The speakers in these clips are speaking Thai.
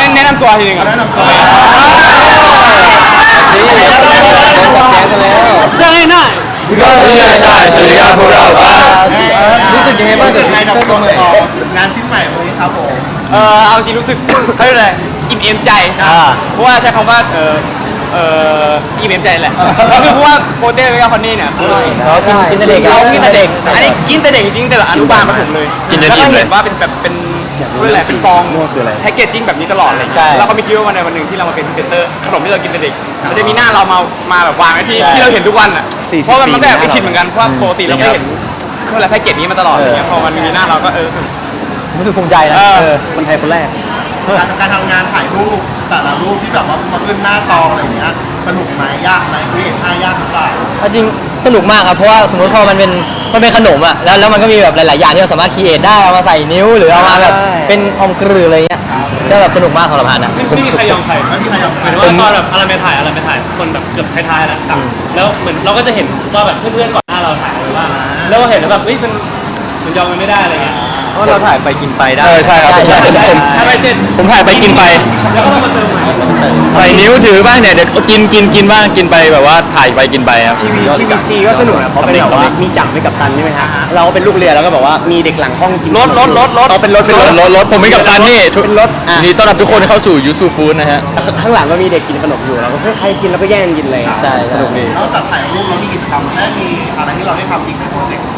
แนะนำตัวทีนึงแนะนำตัวใช่หน่อยก็ไม่ใช่สวัสดีครับพวกเราบ้ารู้สึกยังไงบ้างรู้สึกไงกับงานชิ้นใหม่วันนี้ครับผมเอาจริงรู้สึกเขาเรียกอะไรอิ่มเอมใจเพราะว่าใช้คำว่าอิ่มเอมใจแหละคือเพราะว่าโปเต้เวกาคอนนี่เนี่ยเรากินแต่เด็กเรากินแต่เด็กอันนี้กินแต่เด็กจริงแต่อนุบาลมาผมเลยแล้วก็เห็นว่าเป็นแบบเป็นเขาเรียกอะไรเป็นฟองแพ็กเกจจิ้งแบบนี้ตลอดเลยแล้วก็ไม่คิดว่าวันหนึ่งที่เรามาเป็นพรีเซนเตอร์ขนมที่เรากินแต่เด็กมันจะมีหน้าเรามาแบบวางไว้ที่เราเห็นทุกวันอ่ะเพราะมันก็แอบไปชินเหมือนกันเพราะปกติเราไม่เห็นเขาเรียกอะไรแพ็กเกจนี้มาตลอดอย่างเงี้ยพอมันมีหน้าเราก็รู้สึกภูมิใจนะคนไทยคนแรกการทำงานถ่ายรูปแต่ละรูปที่แบบว่ามาขึ้นหน้าซองอะไรอย่างเงี้ยสนุกไหมยากไหมคุยเห็นท่ายากหรือเปล่าจริงสนุกมากครับเพราะว่าสมมติพอมันเป็นขนมอ่ะแล้วมันก็มีแบบหลายๆอย่างที่เราสามารถคิดเอทได้เอามาใส่นิ้วหรือเอามาแบบเป็นอมกรืออะไรเงี้ยก็แบบสนุกมากสำหรับฮันนะไม่มีใครยอมใครไม่มีใครยอมใครหมายถึงว่าตอนแบบอะไรไม่ถ่ายคนแบบเกือบท้ายๆแล้วเหมือนเราก็จะเห็นว่าแบบเพื่อนๆก่อนหน้าเราถ่ายไว้ว่าแล้วเราเห็นแล้วแบบเฮ้ยมันยอมกันไม่ได้อะไรเงี้ยเพราะเราถ่ายไปกินไปได้ใช่ครับผมถ่ายไปเสร็จผมถ่ายไปกินไปแล้วก็ต้องมาเติมใหม่ใส่นิ้วถือบ้างเนี่ยเดี๋ยวกินบ้างกินไปแบบว่าถ่ายไปกินไปครับทีวีซีก็สนุกนะเพราะเป็นแบบว่ามีจังไม่กับตันใช่ไหมฮะเราเป็นลูกเรือแล้วก็แบบว่ามีเด็กหลังห้องกินรถเอาเป็นรถผมเป็นกัปตันนี่เป็นรถนี่ต้อนรับทุกคนเข้าสู่ยูซูฟู้ดนะฮะข้างหลังก็มีเด็กกินขนมอยู่แล้วก็ใครกินแล้วก็แย่งกินเลยใช่สนุกดีนอกจากถ่ายรูปแล้วมีกิจกรรมและมีอะไรที่เราได้ทำอีกในโปรเจกต์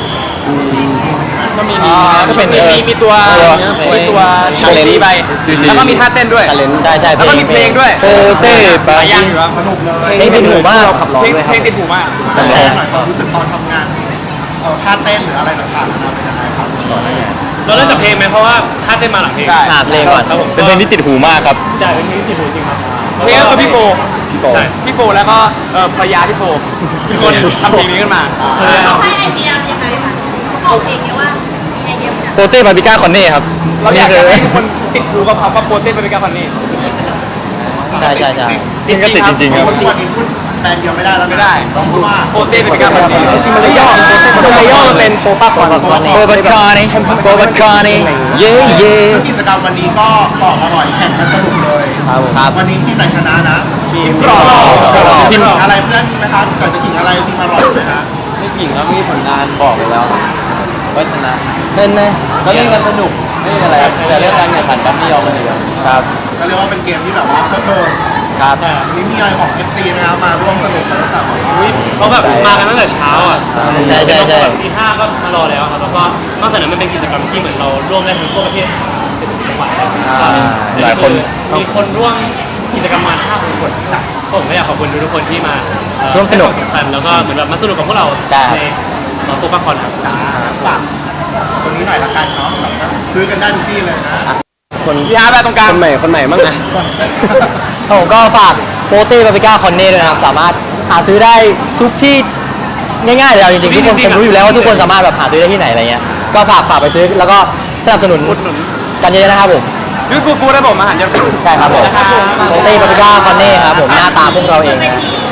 ก็มีตัวชาเลนจ์ไปแล้วก็มีท่าเต้นด้วยใช่แล้วก็มีเพลงด้วยโปเต้ปาย่างอยู่สนุกเลยเพลงติดหูมากเพลงติดหูมากแชร์หน่อยความรู้สึกตอนทำงานท่าเต้นหรืออะไรต่างๆนะเป็นยังไงครับก่อนหน้านี้เราเริ่มจากเพลงไหมเพราะว่าท่าเต้นมาหลังเพลงเพลงก่อนเป็นเพลงที่ติดหูมากครับใช่เป็นเพลงที่ติดหูจริงครับเพลงก็คือพี่โฟแล้วก็ภรรยาพี่โฟเป็นคนทำเพลงนี้ขึ้นมาเขาให้ไอเดียยังไงคะเขาบอกเองว่ามีไอเดียโปเต้บาร์บีก้าคอนเน่ครับเราอยากให้ทุกคนติดหูกับคำว่าโปเต้บาร์บีก้าคอนเน่ใช่จริงจริงครับทุกวันนี้พูดแบรนด์เดียวไม่ได้แล้วไม่ได้ต้องพูดว่าโปเต้บาร์บีก้าคอนเน่จริงมันเลยย่อมันเป็นโปป้าคอนโปบาคานี่เย่กิจกรรมวันนี้ก็กรอบอร่อยแข่งกันสนุกเลยครับวันนี้ทีมไหนชนะนะทีมทีมอะไรเพื่อนไหมครับก่อนจะถึงอะไรทีมอร่อยไหมฮะไม่ผิงครับมีผลงานบอกไปแล้วว่าชนะเล่นไหมก็เล่นกันสนุกไม่มีอะไรแต่เรื่องการแข่งขันกันไม่ยอมกันเลยครับก็เรียกว่าเป็นเกมที่แบบว่าเพิ่มครับนี่มีอะไรของ FC นะครับมาร่วมสนุกกันตั้งแต่เขาแบบมากันตั้งแต่เช้าอ่ะใช่ตีห้าก็มารอแล้วครับแล้วก็นอกจากนั้นมันเป็นกิจกรรมที่เหมือนเราร่วมได้ทั้งทั่วประเทศจังหวัดหลายคนมีคนร่วมกิจกรรมมา5,000 คนผมก็อยากขอบคุณทุกคนที่มาร่วมสนุกสำคัญแล้วก็เหมือนแบบมาสนุกกับพวกเราในโปป้าคอนครับฝากคนนี้หน่อยละกันเนาะซื้อกันได้ทุกที่เลยนะคนที่5แบบตรงกลางคนใหม่มั้งนะผมก็ฝากโปเต้บาร์บีก้าคอนเน่ด้วยนะครับสามารถหาซื้อได้ทุกที่ง่ายๆเลยจริงๆทุกคนรู้อยู่แล้วว่าทุกคนสามารถแบบหาซื้อได้ที่ไหนอะไรเงี้ยก็ฝากไปซื้อแล้วก็สนับสนุนกันเยอะนะครับผมยูฟู้ดได้ผมอาหารเยอะใช่ครับผมโปเต้บาร์บีก้าคอนเน่ครับผมหน้าตาพวกเราเอง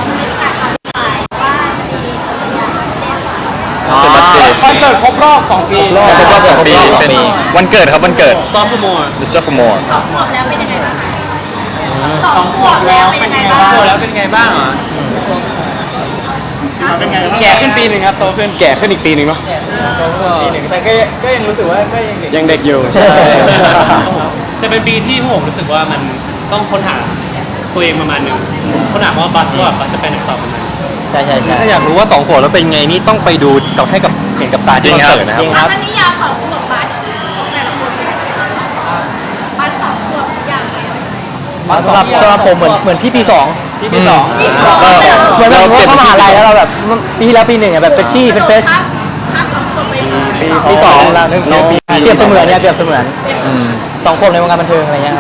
คอนเสิร์ตครบรอบ2 ปีเป็นวันเกิดครับวันเกิดซอฟต์มอร์ The Sophomore 2 ขวบแล้วเป็นยังไงบ้าง2 ขวบแล้วเป็นยังไงบ้างแล้วเป็นไงบ้างอ่ะแก่ขึ้นปีหนึ่งครับโตขึ้นแก่ขึ้นอีกปีหนึ่งเนาะปีหนึ่งแต่ก็ยังรู้สึกว่าก็ยังเด็กอยู่ใช่แต่เป็นปีที่ผมรู้สึกว่ามันต้องค้นหาตัวเองประมาณนึงค้นหาว่าบัสจะไปไหนต่อประมาณใช่ถ้าอยากรู้ว่า2 ขวบแล้วเป็นไงนี่ต้องไปดูให้กับเห็นกับตาจริงครับนะครับนิยามของขวบบัสของแต่ละคนบัส2 ขวบอย่างไรสำหรับผมเหมือนพี่ปี 2เหมือนแบบเข้ามหาลัยแล้วเราแบบปีที่แล้วปี 1อ่ะแบบเฟชชี่เฟสปี 2แล้วเปรียบเสมือนเนี่ยเปรียบเสมือน2 คนในวงการบันเทิงอะไรเงี้ย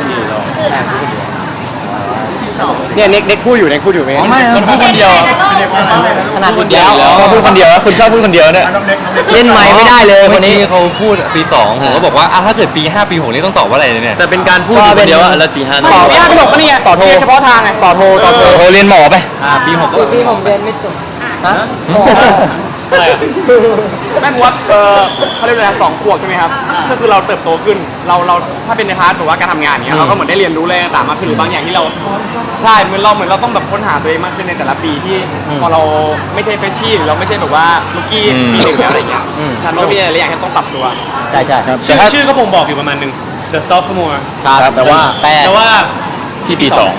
เนี่ยเน็กพูดอยู่ไหมไม่มันพูดคนเดียวขนาดคนเดียวชอบพูดคนเดียวคุณชอบพูดคนเดียวเนี่ยเล่นไม้ไม่ได้เลยคนนี้เขาพูดปี 2ผมก็บอกว่าถ้าเกิดปี 5 ปี 6นี่ต้องตอบว่าอะไรเนี่ยแต่เป็นการพูดคนเดียวแล้วปี 5 ต่อปี 5 ปี 6ก็นี่ต่อโทเฉพาะทางไงต่อโทเรียนหมอไปปี 6 ปีผมเรียนไม่จบอะไรอะแม่งว่าเขาเรียกอะไรนะ2 ขวบใช่ไหมครับก็คือเราเติบโตขึ้นเราถ้าเป็นในพาร์ทแบบว่าการทำงานเนี้ยเราก็เหมือนได้เรียนรู้อะไรต่างๆมากขึ้นหรือบางอย่างที่เราใช่เหมือนเราต้องแบบค้นหาตัวเองมากขึ้นในแต่ละปีที่พอเราไม่ใช่เฟรชชี่หรือเราไม่ใช่แบบว่าลูกกี้ปี 1แล้วอะไรเงี้ยใช่มันก็มีอะไรอย่างที่ต้องปรับตัวใช่ใช่ครับชื่อก็บ่งบอกอยู่ประมาณนึง The Sophomore ครับแต่ว่าแต่ว่าพี่ปีสอง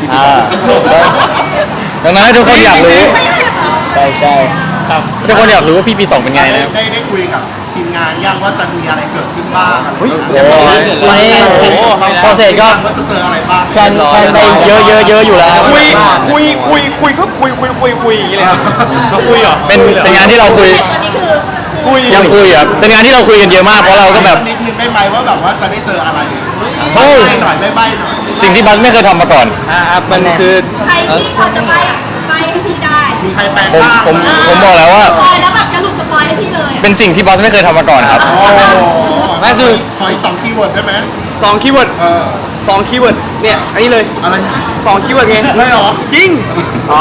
ดังนั้นทุกคนอยากรู้ไม่ให้เหรอใช่ใช่ครับทุกคนอยากรู้ว่าพี่ปี 2เป็นไงนะได้คุยกับทีมงานยังว่าจะมีอะไรเกิดขึ้นบ้างโอ้ยโปรเซสก็ว่าจะเจออะไรบ้างแพลนไปเยอะอยู่แล้วคุยก็คุยอย่างนี้เลยครับเราคุยเหรอเป็นงานที่เราคุยตอนนี้คือยังคุยครับเป็นงานที่เราคุยกันเยอะมากเพราะเราก็แบบนิดนึงได้ไหมว่าแบบว่าจะได้เจออะไรโอ้ยใบ้หน่อยไม่ใบ้หน่อยสิ่งที่บัสไม่เคยทำมาก่อนครับมันคือใครที่พอจะไปให้พี่ได้มีใครแปลงผมบ้างผมไหมผมบอกแล้วว่าสปอยแล้วแบบจะหลุดสปอยให้พี่เลยเป็นสิ่งที่บัสไม่เคยทำมาก่อนครับโอ้โหไม่คือขออีก2 คีย์เวิร์ดได้ไหม 2 คีย์เวิร์ดเออ 2 คีย์เวิร์ดเนี่ยอันนี้เลยอะไรนะ 2 คีย์เวิร์ดไงเลยเหรอจริงอ๋อ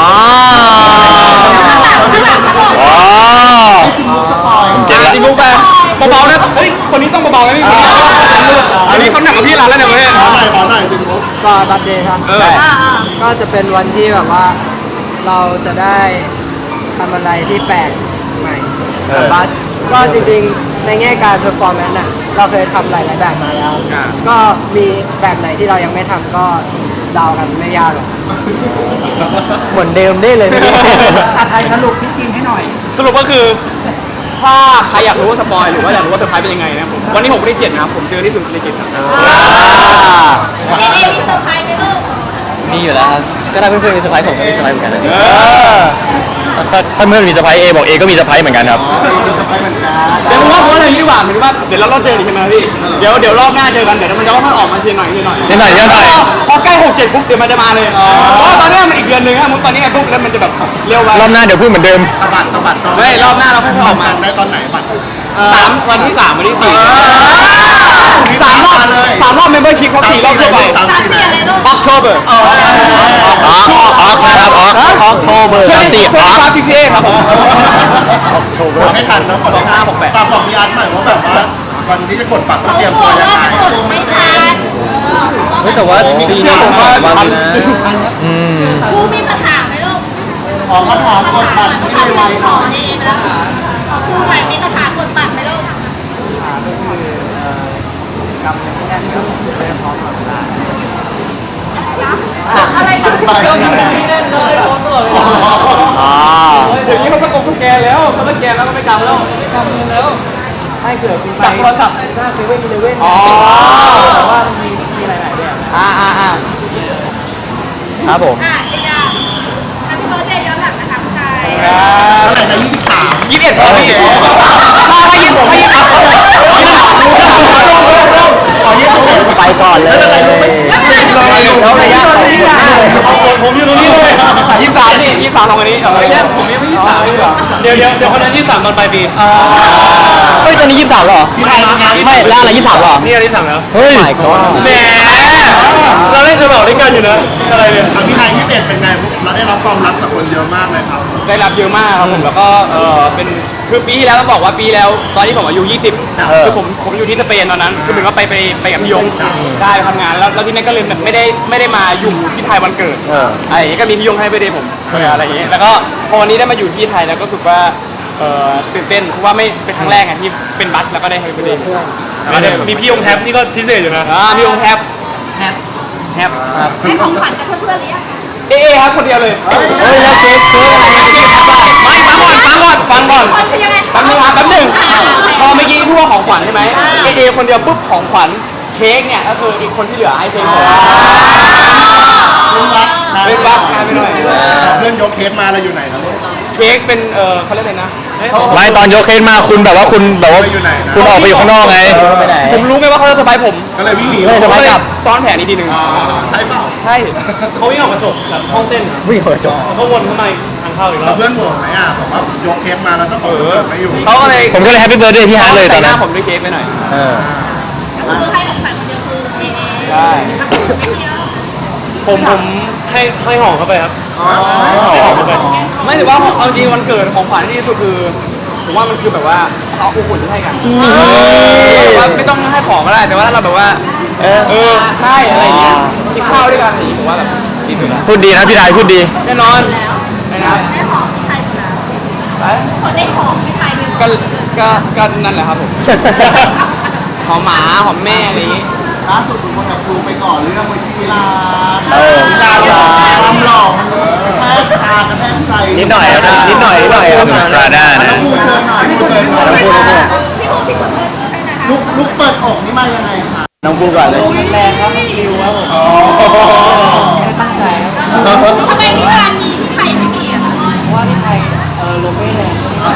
อ๋อจริงสปอยเก็ตละจริงลูกแฟนเบาๆนะเฮ้ยคนนี้ต้องเบาๆนะพี่อันนี้เขาหนักกว่าพี่ร้านแล้วเนี่ยเว้ยขอหน่อยจริงลูกก็บัตเดย์ครับเออก็จะเป็นวันที่แบบว่าเราจะได้ทำอะไรที่แปลกใหม่กับบัสก็จริงๆในแง่การเพอร์ฟอร์แมนซ์น่ะเราเคยทำหลายๆแบบมาแล้วอ่าก็มีแบบไหนที่เรายังไม่ทำก็เดากันไม่ยากหรอกเหมือนเดิมได้เลยเมื่อกี้ไทยสรุปพี่กินให้หน่อยสรุปก็คือถ้าใครอยากรู้ว่าสปอยหรือว่าอยากรู้ว่าเซอร์ไพรส์เป็นยังไงนะผมวันที่6วันที่7นะครับผมเจอที่ศูนย์ศิริกิติ์ครับเอมีเซอร์ไพรส์ไหมลูกมีอยู่แล้วครับ ก็ถ้าเพื่อนๆมีเซอร์ไพรส์ผมก็มีเซอร์ไพรส์เหมือนกันถ้าเพื่อนมีเซอร์ไพรส์เอบอกเอก็มีเซอร์ไพรส์เหมือนกันครับมีสปอยเหมือนกันเดี๋ยวผมว่าเพราะอะไรนี้ดีกว่าเหมือนว่าเดี๋ยวเราเจออีกใช่ไหมพี่เดี๋ยวรอบหน้าเจอกันเดี๋ยวมันจะค่อยๆออกมาทีหน่อยนิดหน่อยนิดหน่อยพอใกล้6 7ปุ๊บเดี๋ยวมันจะมาเลยเพราะตอนนี้มันอีกเดือนนึงอะมุกตอนนี้ไงปุ๊บแล้วมันจะแบบเร็วไปรอบหน้าเดี๋ยวพูดเหมือนเดิมตะบัดจองไม่รอบหน้าเราค่อยๆออกมาจองได้ตอนไหนบัตร 3 วันที่ 3 วันที่ 4 3 รอบเมมเบอร์ชิพครบ4 รอบทั่วไปสามสามสี่สี่อะไรลูก October ออกนะครับออกโทเบอร์34ออก PCA ครับผมกดให้ทันนะกดให้ทัน 2568 ฝากบอกพี่อาร์ตหน่อยว่าแบบว่าวันที่จะกดบัตรต้องเตรียมตัวยังไงเขาบอกว่าจะกดไม่ทันแต่ว่าปีเชื่อผมว่าทันครูมีคาถาไหมลูกขอคาถากดบัตรคาให้ถาไวขๆหอน่อยเองแล้วขอครูหน่อยมีคาถากดบัตรไหมลูก อะไรนะไปอ๋อเดี๋ยวนี้เขาสแกนแล้วเขาสแกนแล้วก็ไม่กำแล้วให้เกิดจับโทรศัพท์หน้าเซเว่นอีเลเว่นอ๋อแต่ว่ามันมีหลายๆแบบครับผมอ่ะเดี๋ยวจะแฮปปี้เบิร์ดเดย์ย้อนหลังนะคะคุณชายเท่าไหร่นะ23 21พอพี่ให้ยินผมให้ยินอ๋อ21 ไปก่อนเลยไม่เป็นไรแล้วระยะของคุณผมอยู่ตรงนี้เลย 23นี่23ลงอันนี้ไม่ใช่ผมยังไม่23เลยเหรอเดี๋ยวคนนั้น23ตอนปลายปีเฮ้ยตอนนี้23เหรอพี่ไทยเป็นไงไม่แล้วอะไร23เหรอนี่อันที่3แล้วเฮ้ยแหมเราได้ฉลองด้วยกันอยู่นะอะไรเนี่ยพี่ไทย21เป็นไงเราได้รับความรักจากคนเยอะมากเลยครับได้รับเยอะมากครับผมแล้วก็เป็นคือปีที่แล้วต้องบอกว่าปีแล้วตอนที่ผมอายุ20คือผมอยู่ที่สเปนตอนนั้นคือเหมือนว่าไปกับพี่ยงใช่ไปทำงานแล้วที่นั่นก็เลยแบบไม่ได้มาอยู่ที่ไทยวันเกิดอะไรอย่างเงี้ยก็มีพี่ยงให้ไปเดย์ผมอะไรอย่างเงี้ยแล้วก็พอวันนี้ได้มาอยู่ที่ไทยแล้วก็รู้สึกว่าตื่นเต้นเพราะว่าไม่เป็นครั้งแรกไงที่เป็นบัสแล้วก็ได้ให้ไปเดย์มีพี่ยงแฮปนี่ก็พิเศษอยู่นะพี่ยงแฮปแฮปให้ของขวัญกับเพื่อนๆหรือยังคะเอครับคนเดียวเลยเฮ้ยแล้วเค้กอะไรไม่ฟังก่อนคนเป็นยังไงแป๊บนึงครับแป๊บนึงพอเมื่อกี้พูดว่าของขวัญใช่ไหมเอคนเดียวปุ๊บของขวัญเค้กเนี่ยก็คืออีกคนที่เหลือให้เค้กผมเป็นบักงานไปหน่อยเพื่อนยกเค้กมาเราอยู่ไหนนะลูกเค้กเป็นเขาเรียกอะไรนะไม่ตอนยกเค้กมาคุณแบบว่าคุณแบบว่าไปอยู่ไหนนะคุณออกไปอยู่ข้างนอกไงไปไหนผมรู้ไงว่าเขาจะสบายผมก็เลยวิ่งหนีไม่สบายก็เลยซ้อนแผนอีกทีหนึ่งอ๋อใช่เปล่าใช่เขาวิ่งออกกระจกแบบห้องเต้นอะวิ่งเปิดจบแล้วก็วนเข้ามาทางเข้าอีกรแล้อวบเพื่อนโหวตไหมอ่ะบอกว่ายกเค้กมาแล้วเจ้าของวันเกิดไม่อยู่เขาก็เลยผมก็เลยแฮปปี้เบิร์ดเดย์พี่ฮาร์ดเลยตใส่อนหนั้น้าน ผมด้วยเค้กไปหน่อยก็คือให้ของขวัญคนเดียวคือเอใช่ผมให้ห่อเข้าไปครับอ๋อให้ห่อเข้าไปไม่ถือว่าเอาจริงวันเกิดของขวัญที่ดีที่สุดคือผมว่ามันคือแบบว่าเขาอบอุ่นให้กันแบบว่าไม่ต้องให้ของก็ได้แต่ว่าถ้าเราแบบว่าใช่อะไรอย่างเงี้ยกินข้าวด้วยกันอย่างงี้ผมว่าแบบดีสุดละพูดดีนะพี่ดายพูดดีแน่นอนนะครับได้หอมที่ไทยอยู่แล้วคนได้หอมที่ไทยไปหมดก็นั่นแหละครับผม หอมหมาหอมแม่อะไรอย่างงี้ล่าสุดคุณคนกับครูไปก่อเรื่องไว้ที่ลาลาหล่อความหล่อมันกระแทกตากระแทกใจนิดหน่อยครับนิดหน่อยครับคราด้านะครูเชิญหน่อยครูเชิญหน่อยพี่พูดเพื่อนใช่ไหมคะลุกเปิดอกนี่มายังไงคะน้องพูดก่อนเลยแรงครับคิวครับผมอ๋อตั้งใจครับทำไมที่ร้านมีที่ไทยไม่มีอ่ะเพราะว่าที่ไทยลมไม่แรง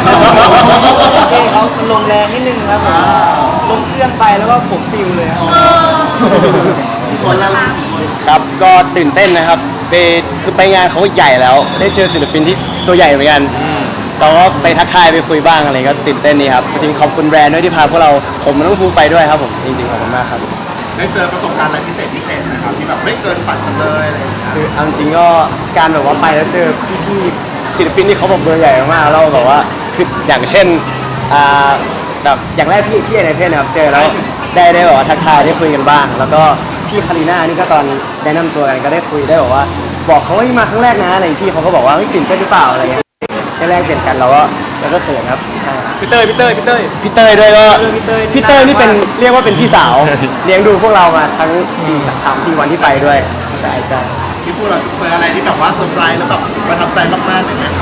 เขาลมแรงนิดนึงครับผมลมเครื่องไปแล้วก็ผมปิวเลยครับคนละครับก็ตื่นเต้นนะครับคือไปงานเขาใหญ่แล้ว ได้เจอศิลปินที่ตัวใหญ่เหมือนกันเราก็ไปทักทายไปคุยบ้างอะไรก็ตื่นเต้นนี่ครับจริงๆขอบคุณแบรนด์ด้วยที่พาพวกเราผมมันต้องพูไปด้วยครับผมจริงๆขอบคุณมากครับได้เจอประสบการณ์อะไรพิเศษนะครับที่แบบไม่เกินฝันจังเลยอะไรอย่างเงี้ยคือเอาจริงๆก็การแบบว่าไปแล้วเจอพี่ๆศิลปินที่เขาแบบเบอร์ใหญ่มากๆเราแบบว่าคืออย่างเช่นแบบอย่างแรกพี่ในเพจนะครับเจอแล้วได้แบบว่าทักทายได้คุยกันบ้าง แล้วก็พี่คาริน่านี่ก็ตอนแนะนำตัวกันก็ได้คุยได้บอกว่าบอกเขาว่ามาครั้งแรกนะอะไรพี่เขาก็บอกว่าตื่นเต้นหรือเปล่าอะไรเงี้ยได้แรกเปลี่ยนกันเราก็เขินครับพี่เต้ยพี่เต้ยด้วยก็พี่เต้ยนี่เป็นเรียกว่าเป็นพี่สาว เลี้ยงดูพวกเรามาทั้ง3-4 วันที่ไปด้วยใช่ที่พูดเราเจออะไรที่แบบว่าเซอร์ไพรส์แล้วแบบประทับใจมากๆอย่างเงี้ย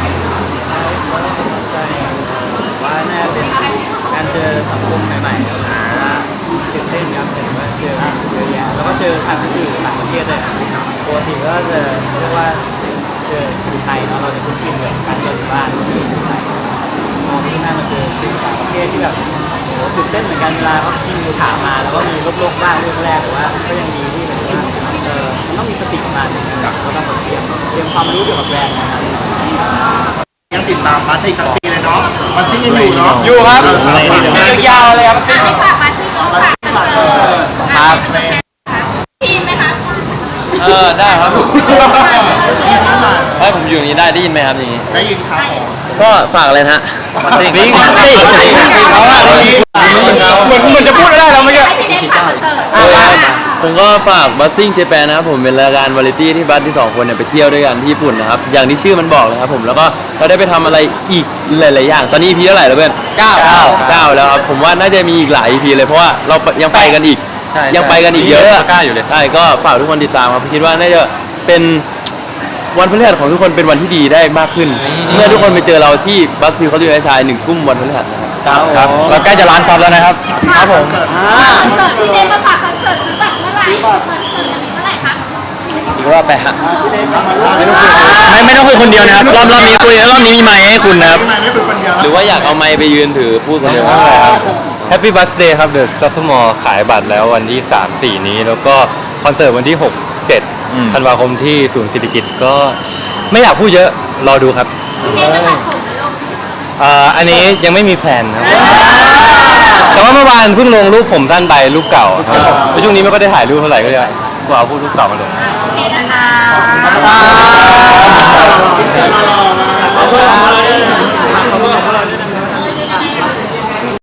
ว่าน่าเป็นการเจอสังคมใหม่ๆว่าตื่นเต้นครับเห็นว่าเจอเยอะแยะแล้วก็เจอทางสื่อต่างประเทศด้วยปกติก็จะเรียกว่าเจอสื่อไทยเนาะเราจะคุ้นชินกับการเจอบ้านที่สื่อไทยมองที่หน้ามาเจอสื่อต่างประเทศที่แบบโหตื่นเต้นเหมือนกันเวลาเขาพิมพ์ถามมาแล้วก็มีลบๆบ้างเรื่องแรกแต่ว่าก็ยังดีที่แบบว่ามันต้องมีสติประมาณนึงกับก็ต้องเตรียมความรู้เกี่ยวกับแบรนด์นะครับยังติดตามบัสอีกทั้งปีเลยเนาะบัสซี่ยังอยู่เนาะอยู่ครับ ยาวๆเลยครับไม่ฝากมาที่น้องฝากคอนเสิร์ตครับทีมไหมคะได้ครับผมเออผมอยู่อย่างนี้ได้ยินไหมครับอย่างนี้ได้ยินครับก็ฝากเลยนะฮะซิงเหมือนจะพูดได้แล้วเมื่อกี้ให้พี่เนทฝากคอนเสิร์ตผมก็ฝากบัสซิ่งเจแปนนะครับผมเป็นรายการวาไรตี้ที่บัสที่2คนเนี่ยไปเที่ยวด้วยกันที่ญี่ปุ่นนะครับอย่างที่ชื่อมันบอกเลยครับผมแล้วก็เราได้ไปทำอะไรอีกหลายๆอย่างตอนนี้ EP เท่าไหร่แล้วเพื่อน9แล้วครับผมว่าน่าจะมีอีกหลาย EP เลยเพราะว่าเรายังไปกันอีกยังไปกันอีกเยอะอยู่เลยใช่ก็ฝากทุกคนติดตามครับคิดว่าน่าจะเป็นวันพฤหัสของทุกคนเป็นวันที่ดีได้มากขึ้น เมื่อทุกคนไปเจอเราที่บัสฟิวเขาอยู่ในชาย1 ทุ่มวันพฤหัสครับเราใกล้จะล้านซับแล้วนะครับครับผมคอนเสิร์ตพี่เนทมาฝากคอนเสิร์ตซื้อบัตรเมื่อไหร่คอนเสิร์ตจะมีเมื่อไหร่คะอีกรอบไปฮะไม่ต้องคุยคนเดียวนะครับรอบนี้คุยรอบนี้มีไมค์ให้คุณนะครับไม่เป็นคนเดียวหรือว่าอยากเอาไมค์ไปยืนถือพูดคนเดียว Happy Birthday ครับ The Sophomore ขายบัตรแล้ววันที่ 3-4 นี้ แล้วก็คอนเสิร์ตวันที่ 6-7 ธันวาคมที่ศูนย์เศรษฐกิจก็ไม่อยากพูดเยอะ รอดูครับพี่เนทจะตัดผมในโลกอันนี้ยังไม่มีแพลนครับ แต่ว่าเมื่อวานเพิ่งลงรูปผมสั้นไปรูปเก่าครับแล้วช่วงนี้ไม่ก็ได้ถ่ายรูปเท่าไหร่ก็เลยกูเอารูปเก่ามาลงโอเคนะคะขอบคุณครับ